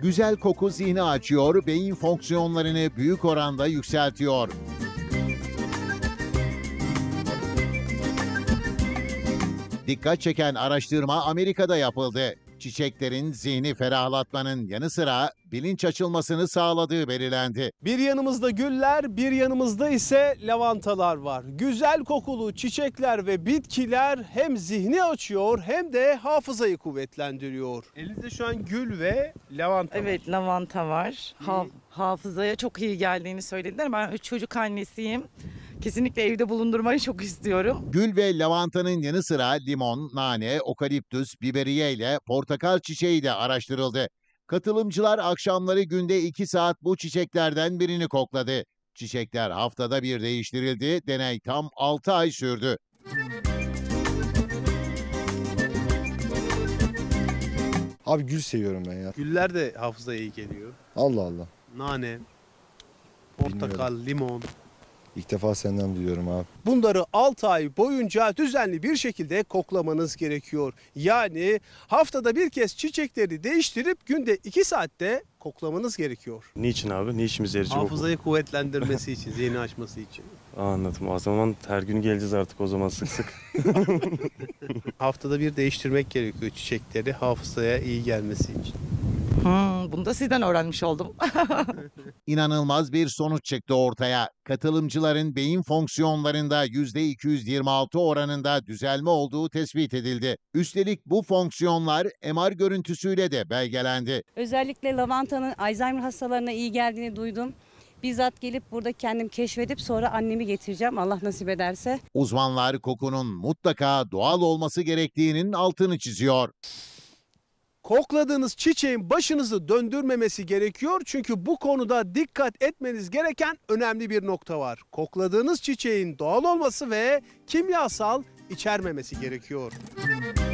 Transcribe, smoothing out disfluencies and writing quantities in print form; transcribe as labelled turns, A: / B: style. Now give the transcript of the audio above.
A: Güzel koku zihni açıyor, beyin fonksiyonlarını büyük oranda yükseltiyor. Dikkat çeken araştırma Amerika'da yapıldı. Çiçeklerin zihni ferahlatmanın yanı sıra bilinç açılmasını sağladığı belirlendi.
B: Bir yanımızda güller, bir yanımızda ise lavantalar var. Güzel kokulu çiçekler ve bitkiler hem zihni açıyor hem de hafızayı kuvvetlendiriyor. Elinizde şu an gül ve lavanta var.
C: Evet, lavanta var. Hafızaya çok iyi geldiğini söylediler. Ben 3 çocuk annesiyim. Kesinlikle evde bulundurmayı çok istiyorum.
A: Gül ve lavantanın yanı sıra limon, nane, okaliptüs, biberiye ile portakal çiçeği de araştırıldı. Katılımcılar akşamları günde 2 saat bu çiçeklerden birini kokladı. Çiçekler haftada bir değiştirildi. Deney tam 6 ay sürdü.
D: Abi gül seviyorum ben ya.
B: Güller de hafızaya iyi geliyor.
D: Allah Allah.
B: Nane, portakal, limon.
D: İlk defa senden duyuyorum abi.
B: Bunları 6 ay boyunca düzenli bir şekilde koklamanız gerekiyor. Yani haftada bir kez çiçekleri değiştirip günde 2 saatte koklamanız gerekiyor.
E: Niçin abi? Ne işimize yarayacak o?
B: Hafızayı kuvvetlendirmesi için, zihni açması için.
E: Anladım. O zaman her gün geleceğiz artık o zaman sık sık.
B: Haftada bir değiştirmek gerekiyor çiçekleri hafızaya iyi gelmesi için.
C: Bunu da sizden öğrenmiş oldum.
A: İnanılmaz bir sonuç çıktı ortaya. Katılımcıların beyin fonksiyonlarında %226 oranında düzelme olduğu tespit edildi. Üstelik bu fonksiyonlar MR görüntüsüyle de belgelendi.
F: Özellikle lavantanın Alzheimer hastalarına iyi geldiğini duydum. Bizzat gelip burada kendim keşfedip sonra annemi getireceğim Allah nasip ederse.
A: Uzmanlar kokunun mutlaka doğal olması gerektiğinin altını çiziyor.
B: Kokladığınız çiçeğin başınızı döndürmemesi gerekiyor çünkü bu konuda dikkat etmeniz gereken önemli bir nokta var. Kokladığınız çiçeğin doğal olması ve kimyasal içermemesi gerekiyor.